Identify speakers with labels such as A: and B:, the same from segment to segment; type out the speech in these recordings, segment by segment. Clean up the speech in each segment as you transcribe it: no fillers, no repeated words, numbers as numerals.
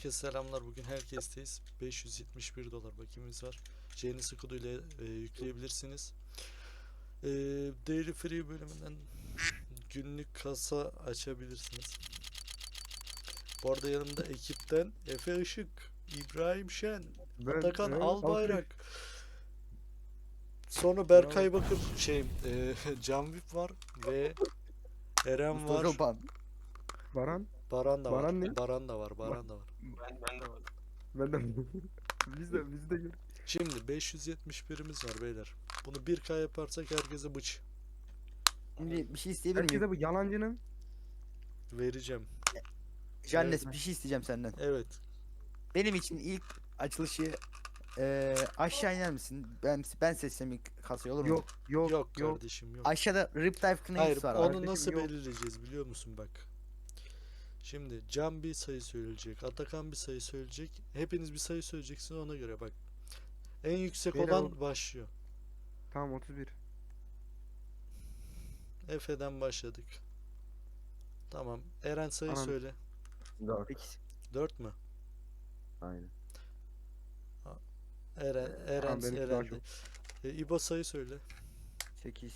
A: Herkese selamlar. Bugün herkesteyiz. 571 dolar bakiyemiz var. Genius Kudu ile yükleyebilirsiniz. Daily Free bölümünden günlük kasa açabilirsiniz. Bu arada yanımda ekipten Efe Işık, İbrahim Şen, Atakan Albayrak, sonra Berkay Bakır, Can Vip var ve Eren var.
B: Baran.
A: Baran da var.
B: Baran ne?
A: Baran da var. Baran da var.
C: Ben de varım.
B: Ben de. biz de gör.
A: Şimdi 571'imiz var beyler. Bunu 1K yaparsak herkese bıç
D: Şimdi bir şey isteyebilir miyim?
B: Herkese bu yalancının
A: vereceğim.
D: Jannes, bir şey isteyeceğim senden.
A: Evet.
D: Benim için ilk açılışı aşağı iner misin? Ben seçsem ilk kasayı olur mu?
B: yok
A: Kardeşim yok.
D: Aşağıda Riptide
A: Hayır,
D: Knights var.
A: onu
B: kardeşim,
A: nasıl
B: yok.
A: belirleyeceğiz biliyor musun bak. Şimdi Can bir sayı söyleyecek, Atakan bir sayı söyleyecek. Hepiniz bir sayı söyleyeceksiniz, ona göre bak. En yüksek
B: Beyler,
A: olan başlıyor.
B: Tamam 31.
A: Efe'den başladık. Tamam. Eren sayı
B: Tamam.
A: söyle.
B: 4.
A: 4 mü?
B: Aynen.
A: Eren
B: Tamam, benimki daha
A: Eren'de.
B: çok.
A: İbo sayı söyle.
D: 8.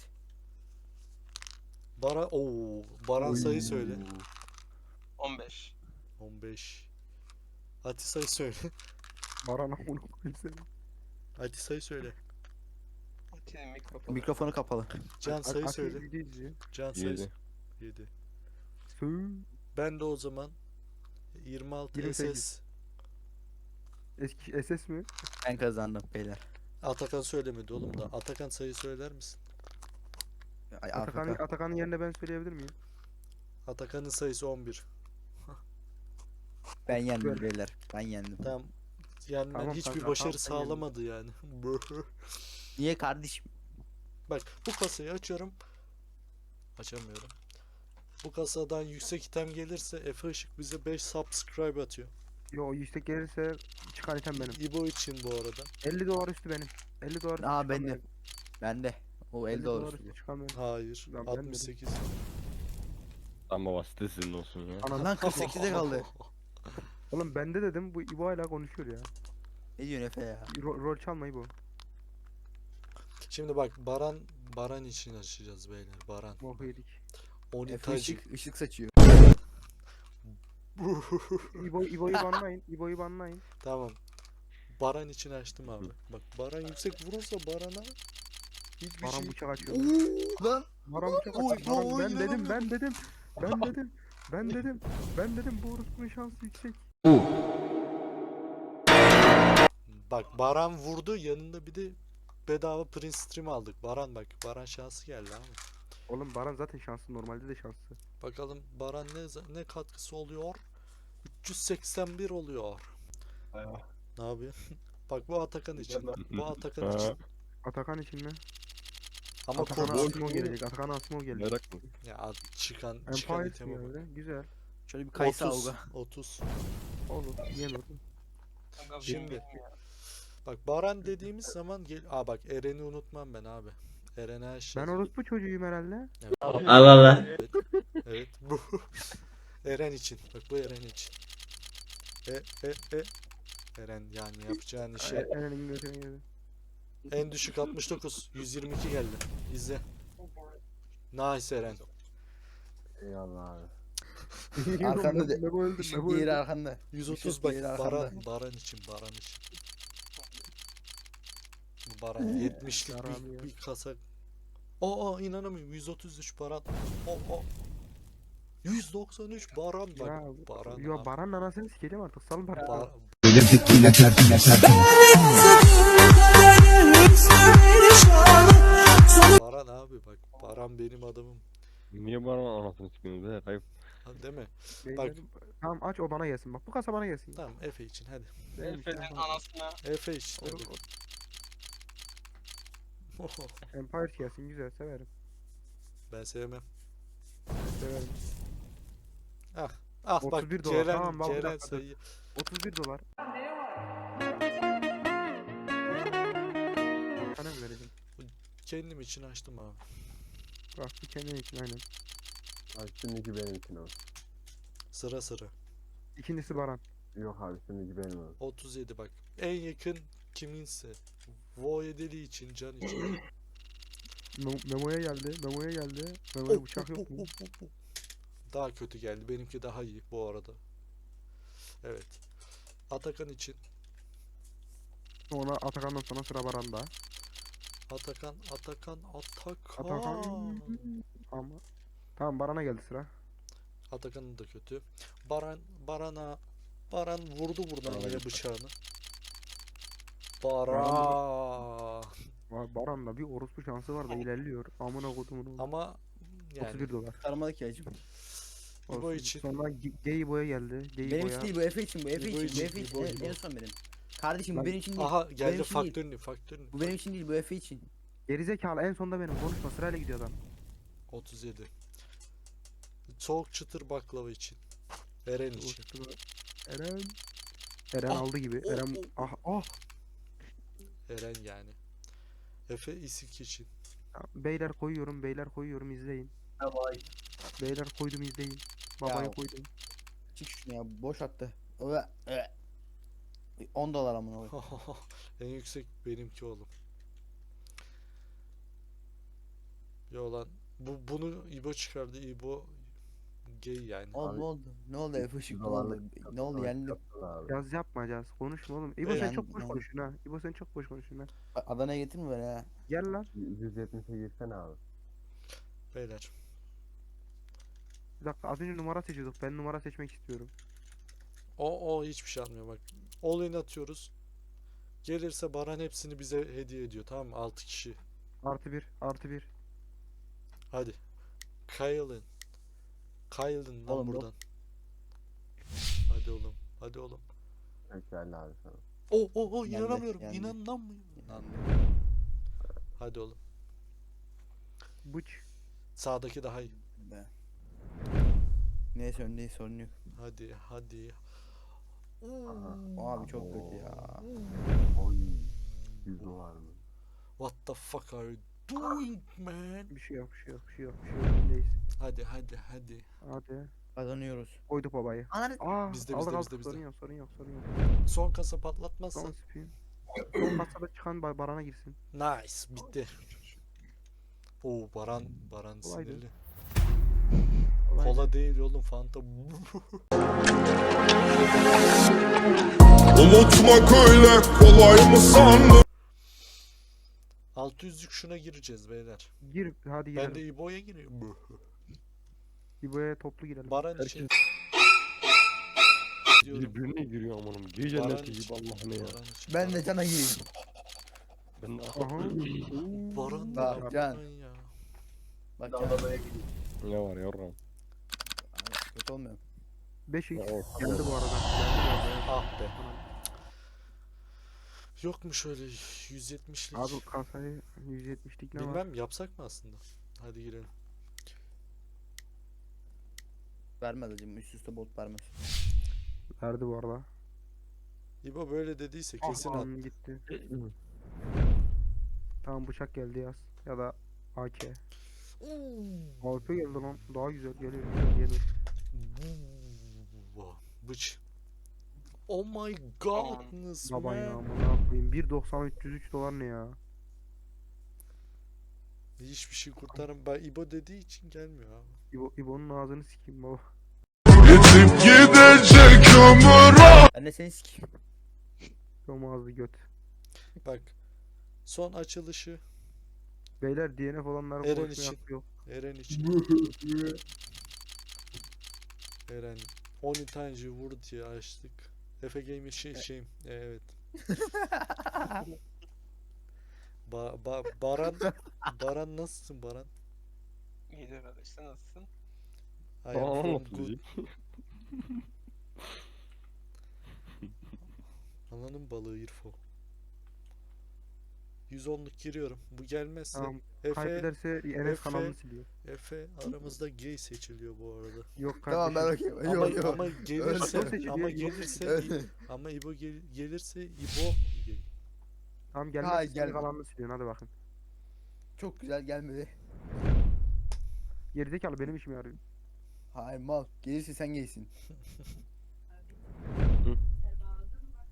A: Baran sayı söyle.
C: 15.
A: 15. Ati sayı söyle.
B: Baran amına koyayım seni.
A: Ati sayı söyle.
C: Atilla mikrofonu.
D: Mikrofonu kapalı.
A: Can sayı
B: Ati
A: söyle.
B: video izliyor.
A: Can sayı
E: 7.
A: 7.
B: Sığ.
A: Ben de o zaman 26
B: 28.
A: SS.
B: Eski SS mi?
D: Ben kazandım beyler.
A: Atakan söylemedi oğlum da. Atakan sayı söyler misin?
D: Ay, AFK.
B: Atakan'ın yerine ben söyleyebilir miyim?
A: Atakan'ın sayısı 11.
D: Ben yendim
B: Böyle.
D: beyler. Ben yendim.
A: Tamam. Yani
B: Tamam
A: hiçbir
B: kanka,
A: başarı
B: tamam, sen yendin.
A: sağlamadı yani.
D: Niye kardeşim?
A: Bak bu kasayı açıyorum. Açamıyorum. Bu kasadan yüksek item gelirse Efe Işık bize 5 subscribe atıyor.
B: Yo yüksek gelirse çıkan item benim.
A: İbo için bu arada.
B: 50 dolar üstü benim. 50 dolar üstü
D: Aa,
B: çıkan
D: ben de.
B: benim.
D: Ben de. O 50 dolar
B: üstü
D: üstü.
B: çıkan benim.
A: Hayır.
B: Lan ben dedim.
A: 68.
E: Lan baba site sizin olsun ya.
B: Ananı.
D: Lan 48'e kaldı.
B: Oğlum bende dedim bu İbo hala konuşuyor ya.
D: Ne diyorsun Efe ya?
B: Rol çalma İbo.
A: Şimdi bak Baran için açacağız beyler. Baran.
B: Mohu yedik.
D: Efe
A: Onitacı.
D: ışık saçıyor.
B: İbo'yu banlayın. İbo'yu banlayın.
A: Tamam. Baran için açtım abi. Bak Baran yüksek vurursa Baran'a hiçbir
B: Baran
A: şey.
B: bıçak açıyor.
A: Lan.
B: Baran bıçak
A: Oy,
B: açıyor.
A: oy,
B: Ben dedim.
A: inanamıyorum.
B: Ben dedim bu orospunun şansı yüksek.
A: Bak Baran vurdu, yanında bir de bedava Prince Stream aldık. Baran şansı geldi abi.
B: Oğlum Baran zaten şanslı, normalde de şanslı.
A: Bakalım Baran ne katkısı oluyor? 381 oluyor. Ne yapıyorsun? Bak bu Atakan için. Bu Atakan için.
B: Atakan için mi?
A: Ama
B: Atakan'a
A: konu
B: Asmo gelecek. Atakan'a Asmo gelecek.
E: Merak mı?
A: ya çıkan
B: Empire
A: iteme
B: mi
A: bak.
B: öyle? Güzel.
D: Şöyle bir kayısı
A: 30
D: avga.
A: 30.
B: Olur. Yenir.
C: Kanka,
A: Şimdi-
C: bilmiyorum ya.
A: Bak Baran dediğimiz zaman bak Eren'i unutmam ben abi. Eren'e aşağı.
B: Ben orospu çocuğuyum herhalde.
F: Allah Allah.
A: Evet bu. Eren için. Bak bu Eren için. Eren yani yapacağın işe.
B: Eren'in götüne girdi.
A: En düşük 69. 122 geldi. İzle. Nice Eren.
E: Eyvallah abi.
D: Arkanda de.
B: Mebo öldü.
D: Işık
B: Mebo
D: diğeri
B: öldü.
D: arkanda.
A: 130
D: Işık
A: bak
D: diğeri arkanda.
A: Baran için. Bu Baran 70'lik
B: Yaram ya.
A: bir kasa. Aa inanamıyorum. 133 Baran. O 193 Baran bak.
B: Ya,
A: Baran.
B: yo
A: abi.
B: Baran'ın anasını sikelim artık. Salın bari.
A: Ba- Baran abi bak. Baran benim adamım.
E: Niye bana anasını çıkıyorsunuz be? Kayıp.
A: Ha, değil mi?
B: Beyler, Tamam aç, o bana gelsin. Bak bu kasa bana gelsin.
A: Tamam Efe için hadi.
B: Benim işte
C: Efe'nin
B: Empire.
C: anasına
A: Efe için
B: Olur,
A: hadi.
B: Empire gelsin, güzel, severim.
A: Ben sevmem.
B: Severim.
A: Ah bak
B: 31 dolar.
A: Ceren,
B: Tamam, bak, bir
A: Ceren
B: dakika, dur.
A: sayı.
B: 31 dolar. Sana mı vereceğim?
A: Kendim için açtım abi.
B: Bak bu kendin için aynen.
E: Ay şimdiki benim için o.
A: Sıra sıra.
B: İkincisi Baran.
E: Yok abi şimdi benim.
A: 37 bak. En yakın kiminse. Vo'ya deli için, can için.
B: Memo'ya geldi. Memo'ya geldi. Memo'ya bıçak yok mu?
A: Daha kötü geldi. Benimki daha iyi bu arada. Evet. Atakan için.
B: Sonra Atakan'dan sonra sıra Baran'da.
A: Atakan.
B: Atakan. Ama. Tamam Baran'a geldi sıra.
A: Atakan'ın da kötü. Baran vurdu buradan
E: Baran'a
A: yine
E: gitti.
A: bıçağını. Baran.
B: Baran'da bir orospu şansı var da ilerliyor. Amına kodumun oğlu.
A: Ama yani
B: 31 dolar.
D: Sarmadı ki acım.
A: İbo
B: Olsun.
A: için.
B: Sonra Gay Boy'a geldi. Gay
D: Benim
B: Boy'a.
D: için değil bu Efe için bu Efe
A: İbo
D: için bu
A: için,
D: Efe için
A: İbo,
D: en,
A: İbo.
D: en son benim. Kardeşim bu
B: Lan-
D: benim için değil.
A: Aha
D: benim
A: geldi
D: için değil.
A: faktörünü.
D: Bu benim için değil bu Efe için.
B: Gerizekalı en sonda benim. Konuşma sırayla gidiyor adam.
A: 37. Soğuk çıtır baklava için. Eren için.
B: Eren. Eren
A: Ah,
B: aldı gibi.
A: oh,
B: Eren
A: oh,
B: ah.
A: Eren yani. Efe isik için.
B: Beyler koyuyorum. Beyler koyuyorum izleyin. Beyler koydum izleyin. Babaya
D: Ya.
B: koydum.
D: Çık şunu ya boş attı. 10 dolar amına koyayım.
A: En yüksek benimki oğlum. Ya lan bunu İbo çıkardı. İbo gay yani.
D: Oğlum ne oldu? Ne oldu Efe Işık ne oldu? Ne oldu yendim.
B: Yaz yapmayacağız. Konuşma oğlum. İbo
A: Evet.
B: sen çok boş
D: Yani-
B: konuşuyorsun ha. İbo sen çok boş konuşuyorsun ha.
D: Adana'ya getirme beni ha.
B: Gel lan.
E: 170'e girsene abi.
A: Beyler.
B: Bir dakika az önce numara seçiyorduk. Ben numara seçmek istiyorum.
A: O hiçbir şey almıyor bak. All in atıyoruz. Gelirse Baran hepsini bize hediye ediyor. Tamam mı? 6 kişi.
B: Artı bir. Artı bir.
A: Hadi. Kyle'ın. Kyle'ın lan
D: Oğlum, yok.
A: buradan. Hadi oğlum. Hadi oğlum.
E: Geldi abi sana.
A: O
D: Geldi,
A: inanamıyorum.
D: geldi.
A: İnanamıyorum. Hadi oğlum.
B: Bıç.
A: Sağdaki daha iyi.
D: Be. Neyse öndeyiz sorun yok.
A: Hadi.
D: Abi çok kötü ya.
E: Oy. 100 dolar mı?
A: What the fuck are you doing man?
B: Bir şey yok. Bir şey yok. Bir şey yok. Bir şey yok. Öndeyiz.
A: Hadi.
B: Hadi.
D: Kazanıyoruz.
B: Koyduk babayı.
D: Ananı
B: Aa,
A: Bizde,
B: aldık
A: bizde,
B: aldık.
A: bizde.
B: Sorun yok. Sorun yok. Sorun yok.
A: Son kasa patlatmazsa.
B: Son spin. Son kasada çıkan Baran'a girsin.
A: Nice. Bitti. Baran
B: Kolaydı.
A: sinirli.
B: Kolay.
A: Kola değil oğlum Fanta.
F: Unutmak öyle kolay mı sandın?
A: 600'lük şuna gireceğiz beyler.
B: Gir. Hadi
A: Ben
B: girelim.
A: de İbo'ya giriyorum.
B: İbo'ya toplu girelim.
A: Baran için. diyorum.
E: Birbirine giriyor amanım. Gece
A: Baran
E: cenneti
A: için.
E: gibi Allah'ım ya.
A: Baran için.
D: ben de cana gireyim.
E: Ben de
B: Aha.
A: Baran
D: Bak,
A: da
D: Can.
A: yapmayın ya.
D: Bak cana.
E: ne var yavrum?
D: Kötü olmuyor.
B: 5x
E: Ya, oh.
B: geldi bu arada. Geldi.
A: Ah be. Yok mu şöyle 170'lik?
B: Abi kasayı 170'lik ne var?
A: Bilmem yapsak mı aslında? Hadi girelim.
D: Vermez acım üst üste bot vermez.
B: Verdi bu arada.
A: İbo böyle dediyse kesin at.
B: Aman gitti. Tamam bıçak geldi yaz. Ya da AK. AK geldi lan. Daha güzel geliyor. Gelir.
A: Bıç. Oh my godness
B: Baba ya
A: man.
B: amına koyayım. 1.90 303 dolar ne ya?
A: Hiçbir şey kurtarım. Ben İbo dediği için gelmiyor abi.
B: İbo'nun ağzını sikeyim baba.
F: Yetip gidecek ömür.
D: Ben de seni sikeyim.
B: Yom ağzı göt.
A: Bak. Son açılışı
B: Beyler DNF olanlar
A: Eren
B: konuşmaya
A: için.
B: hakkı yok.
A: Eren için. Eren 10 taneci vur diye açtık. Efe Gamer evet. Baran nasılsın Baran?
C: İyidir kardeş sen nasılsın?
A: I am
E: Tamam
A: from
E: mı?
A: good. Ananın balığı İrfo. 110'luk giriyorum. Bu gelmezse
B: Tamam.
A: Efe
B: Kaybederse Enes
A: Efe-
B: kanalını siliyor.
A: aramızda gay seçiliyor bu arada.
B: Yok
D: Tamam ben
B: kardeşim.
D: bakayım.
A: Ama,
D: Yok yok.
A: ama gelirse
B: seçiliyor,
A: ama
B: yok
A: gelirse ama İbo gelirse İbo gay.
B: Tamam
D: Hayır,
B: gelmezse senin
D: gelme.
B: kanalını siliyorsun hadi bakın.
D: Çok güzel gelmedi.
B: Gerizekalı benim işime yarıyor.
D: Hayır mal. Gelirse sen gelsin.
E: Hı.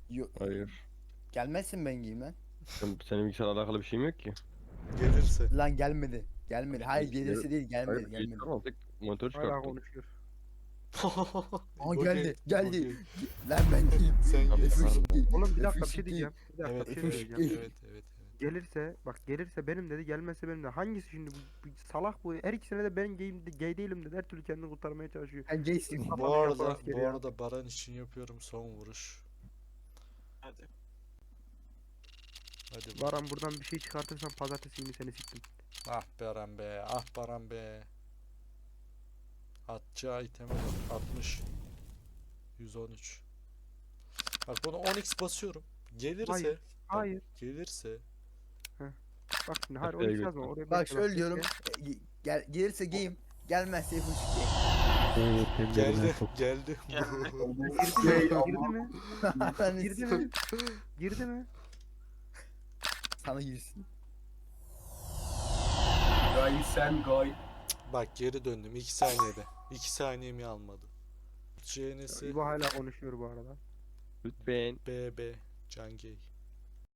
E: Hayır.
D: Gelmezsin ben giyeyim lan.
E: Senin bilgisayarla alakalı bir şeyim yok ki.
A: Gelirse.
D: Lan gelmedi. Gelmedi. Hayır gelirse değil gelmedi
E: Hayır,
D: gelmedi.
E: bilgisayar aldık. Monitör
B: Hala
E: çıkarttık.
B: konuşuyor.
D: Aa
A: İbo
D: geldi
A: gel,
D: geldi.
A: İbo gel.
D: Lan ben giyeyim.
A: Sen
E: Abi,
A: gel.
E: pardon.
B: Oğlum bir dakika bir
D: F3
B: şey diyeceğim. Bir dakika
A: Evet,
B: bir şey
A: evet,
B: diyeceğim.
A: evet, evet.
B: Gelirse bak gelirse benim dedi gelmezse benim de. Hangisi şimdi bu salak bu? Her ikisine de ben gay değilim dedi. Her türlü kendini kurtarmaya çalışıyor.
D: Sen gaysin.
A: Bu
B: Kafanı
A: arada,
B: yapar askeri
A: bu
B: ya.
A: arada Baran için yapıyorum son vuruş.
C: Hadi.
A: Hadi bak.
B: Varan buradan bir şey çıkartırsan pazartesi günü seni siktim.
A: Ah Baran be, ah Baran be. Atacağı iteme bak, 60. 113. Bak bunu 10x basıyorum. Gelirse,
B: Hayır,
A: bak,
B: hayır.
A: gelirse
B: Bak şimdi hayır
E: Haftaya
B: onu yazma. Oraya
D: Bak
B: bekle,
D: şöyle diyorum.
B: bekle.
D: Gelirse giyeyim. Gelmezse F3
A: geldi, geldi.
B: Girdi mi?
D: giyeyim.
B: Girdi mi? Girdi mi?
D: Sana girsin.
G: Gay sen gay.
A: Bak geri döndüm 2 saniyede. 2 saniyemi almadı. CN'si
B: İbo hala konuşuyor bu arada.
E: Lütfen.
A: BB Can Gay.